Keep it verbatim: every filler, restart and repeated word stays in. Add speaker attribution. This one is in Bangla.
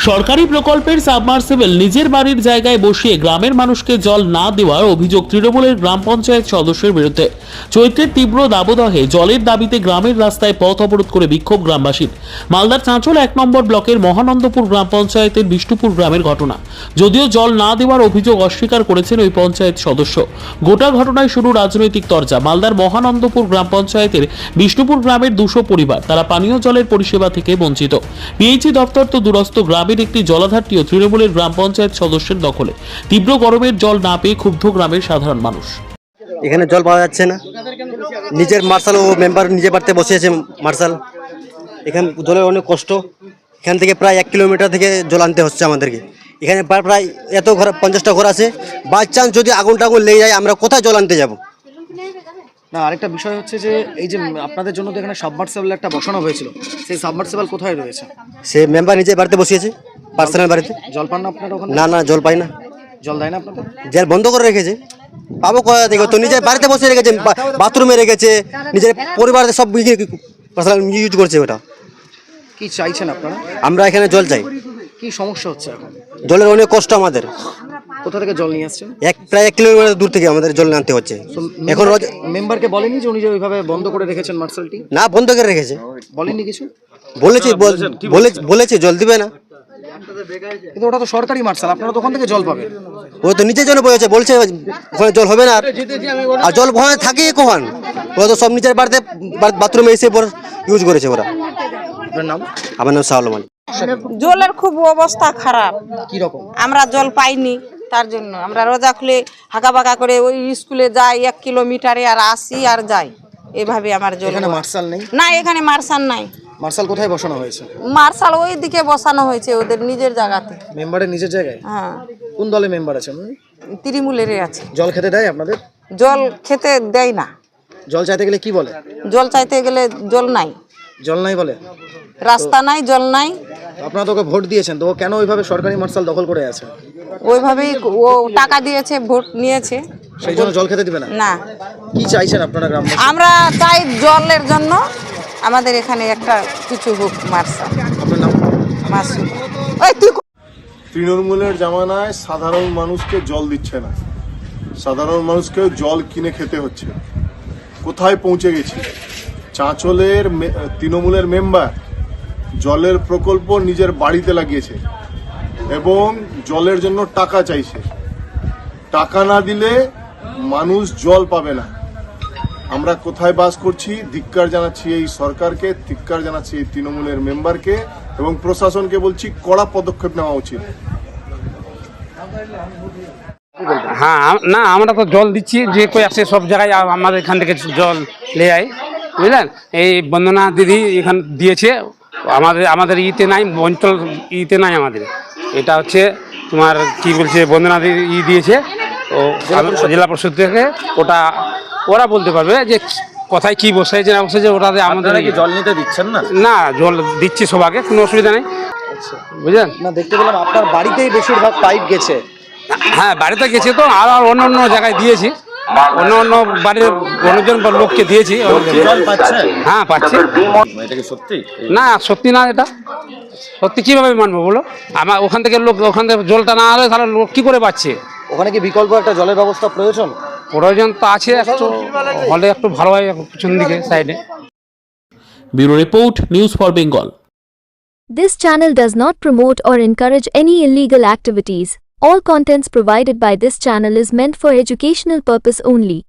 Speaker 1: সরকারি প্রকল্পের সাবমার্সিবল নিজের বাড়ির জায়গায় বসিয়ে গ্রামের মানুষকে জল না দেওয়ার অভিযোগ তৃণমূলের গ্রাম পঞ্চায়েত সদস্যের বিরুদ্ধে। চৈত্রের তীব্র দাবদাহে জলের দাবিতে গ্রামের রাস্তায় পথ অবরোধ করে বিক্ষোভ গ্রামবাসীর। মালদার চাঁচল এক নম্বর ব্লকের মহানন্দপুর গ্রাম পঞ্চায়েতের বিষ্ণুপুর গ্রামের ঘটনা। যদিও জল না দেওয়ার অভিযোগ অস্বীকার করেছেন ওই পঞ্চায়েত সদস্য। গোটা ঘটনায় শুরু রাজনৈতিক তরজা। মালদার মহানন্দপুর গ্রাম পঞ্চায়েতের বিষ্ণুপুর গ্রামের দুশো পরিবার, তারা পানীয় জলের পরিষেবা থেকে বঞ্চিত। পিএইচই দপ্তর তো দূরস্থ, গ্রামের একটি জলাধারটিও তৃণমূলের গ্রাম পঞ্চায়েত সদস্যের দখলে। তীব্র গরমের জল না পেয়ে ক্ষুব্ধ গ্রামের সাধারণ মানুষ।
Speaker 2: এখানে জল পাওয়া যাচ্ছে না, নিজের মার্শাল ও মেম্বার নিজে বাড়িতে বসিয়েছে মার্শাল। এখানে জলের অনেক কষ্ট, এখান থেকে প্রায় এক কিলোমিটার থেকে জল আনতে হচ্ছে আমাদেরকে। এখানে প্রায় এত ঘর, পঞ্চাশটা ঘর আছে, বাই চান্স যদি আগুন টাগুন লেগে যায় আমরা কোথায় জল আনতে যাব?
Speaker 3: না, আরেকটা বিষয় হচ্ছে যে এই যে আপনাদের জন্য তো এখানে সাবমার্সিবল একটা বসানো হয়েছিল, সেই সাবমার্সিবল কোথায় রয়েছে?
Speaker 2: সে মেম্বার নিজে বাড়িতে বসিয়েছে, পার্সোনাল বাড়িতে।
Speaker 3: জল পান না আপনারা ওখানে?
Speaker 2: না না, জল পাই না।
Speaker 3: জল দেয় না আপনাদের?
Speaker 2: জল বন্ধ করে রেখেছে, পাবো কোথা থেকে? তো নিজের বাড়িতে বসে রেখেছে, বাথরুমে রেখেছে, নিজের পরিবারের সব পার্সোনাল ইউজ করছে। ওটা
Speaker 3: কি চাইছেন আপনারা?
Speaker 2: আমরা এখানে জল চাই।
Speaker 3: কি সমস্যা হচ্ছে এখন?
Speaker 2: জলের অনেক কষ্ট আমাদের।
Speaker 3: কোথা থেকে জল নিয়ে আসছেন?
Speaker 2: এক প্রায় এক কিলোমিটার দূর থেকে আমাদের জল আনতে হচ্ছে। এখন
Speaker 3: মেম্বারকে বলেনি যে উনি যে ওইভাবে বন্ধ করে রেখেছেন মার্শালটি?
Speaker 2: না, বন্ধ করে রেখেছে।
Speaker 3: বলেননি কিছু?
Speaker 2: বলেছি বলেছে জল দিবে না,
Speaker 3: কিন্তু ওটা তো সরকারি মার্শাল, আপনারা তো ওখান থেকে জল পাবেন।
Speaker 2: ও তো নিচের জন্য বলেছে, বলছে ওখানে জল হবে না। আর জল ওখানে থাকে কখন? ওরা তো সব নিচের বাড়িতে বাথরুমে এসে ইউজ করেছে ওরা।
Speaker 3: আপনার নাম?
Speaker 2: আমার নাম শাহুল মালিক।
Speaker 4: জলের খুব অবস্থা খারাপ।
Speaker 3: কি রকম?
Speaker 4: আমরা জল পাইনি, তার জন্য আমরা রোজা খুলে হাঁকা বাঁকা করে ওই স্কুলে যাই, এক কিলোমিটারে আর আসি আর যাই, এভাবে আমার জল।
Speaker 3: এখানে মার্শাল নেই?
Speaker 4: না, এখানে মার্শাল নাই।
Speaker 3: মার্শাল কোথায় বসানো হয়েছে?
Speaker 4: মার্শাল ওই দিকে বসানো হয়েছে ওদের নিজের জায়গাতে।
Speaker 3: মেম্বারের নিজের জায়গায়?
Speaker 4: হ্যাঁ।
Speaker 3: কোন দলে মেম্বার আছেন?
Speaker 4: তৃণমূলের আছে।
Speaker 3: জল খেতে দেয় আপনাদের?
Speaker 4: জল খেতে দেয় না।
Speaker 3: জল চাইতে গেলে কি বলে?
Speaker 4: জল চাইতে গেলে জল নাই,
Speaker 3: জল নাই বলে।
Speaker 4: রাস্তা নাই, জল নাই।
Speaker 3: আপনারা তো ওকে ভোট দিয়েছেন, তো ও কেন ওইভাবে সরকারি মার্শাল দখল করে আছে?
Speaker 4: ওইভাবেই ও টাকা দিয়েছে, ভোট নিয়েছে,
Speaker 3: সেই জন্য জল খেতে দিবে না?
Speaker 4: না।
Speaker 3: কি চাইছেন আপনারা গ্রামবাসী?
Speaker 4: আমরা চাই জলের জন্য আমাদের এখানে একটা কিছু হোক মার্শাল।
Speaker 3: আপনার নাম?
Speaker 4: মাসুদ। ওই তুই
Speaker 5: তৃণমূলের জামানায় সাধারণ মানুষকে জল দিচ্ছে না, সাধারণ মানুষকে জল কিনে খেতে হচ্ছে। কোথায় পৌঁছে গেছি? চাঁচলের তৃণমূলের মেম্বার জলের প্রকল্প নিজের বাড়িতে লাগিয়েছে এবং জলের জন্য টাকা চাইছে। টাকা না দিলে মানুষ জল পাবে না। আমরা কোথায় বাস করছি? ধিক্কার জানাচ্ছি এই সরকারকে, ধিক্কার জানাচ্ছি এই তৃণমূলের মেম্বারকে এবং প্রশাসনকে বলছি কড়া পদক্ষেপ নেওয়া উচিত।
Speaker 6: হ্যাঁ, না আমরা তো জল দিচ্ছি, যে কই আসে সব জায়গায় আমাদের এখান থেকে জল লে আয়, বুঝলেন? এই বন্দনা দিদি এখান দিয়েছে, আমাদের আমাদের ইতে নাই, অঞ্চল ইতে নাই আমাদের। এটা হচ্ছে তোমার কি বলছে, বন্দনা দিদি ই দিয়েছে ও জেলা পরিষদ থেকে। ওটা ওরা বলতে পারবে যে কোথায় কি বসাইছে না বসাইছে। ওটা আমাদের
Speaker 3: জল নিতে দিচ্ছেন না?
Speaker 6: না, জল দিচ্ছি সবাইকে, কোনো অসুবিধা নেই, বুঝলেন?
Speaker 3: না, দেখতে পেলাম আপনার বাড়িতেই বেশিরভাগ পাইপ গেছে।
Speaker 6: হ্যাঁ, বাড়িতে গেছে তো, আর অন্য অন্য জায়গায় দিয়েছি, অন্য অন্য বাড়ির অন্যজন লোককে দিয়েছি।
Speaker 3: জল পাচ্ছে?
Speaker 6: হ্যাঁ, পাচ্ছি।
Speaker 7: এটা কি সত্যি?
Speaker 6: না, সত্যি না। এটা সত্যি কিভাবে মানবো বলো? আমার ওখান থেকে লোক, ওখান থেকে জলটা না হলে তাহলে লোক কি করে পাচ্ছে?
Speaker 3: ওখানে কি বিকল্প একটা জলের ব্যবস্থা প্রয়োজন?
Speaker 6: প্রয়োজন তো আছে, একটু হলে একটু ভালো হয় পিছন দিকে সাইডে।
Speaker 1: Bureau report, news for Bengal.
Speaker 8: This channel does not promote or encourage any illegal activities. All contents provided by this channel is meant for educational purpose only.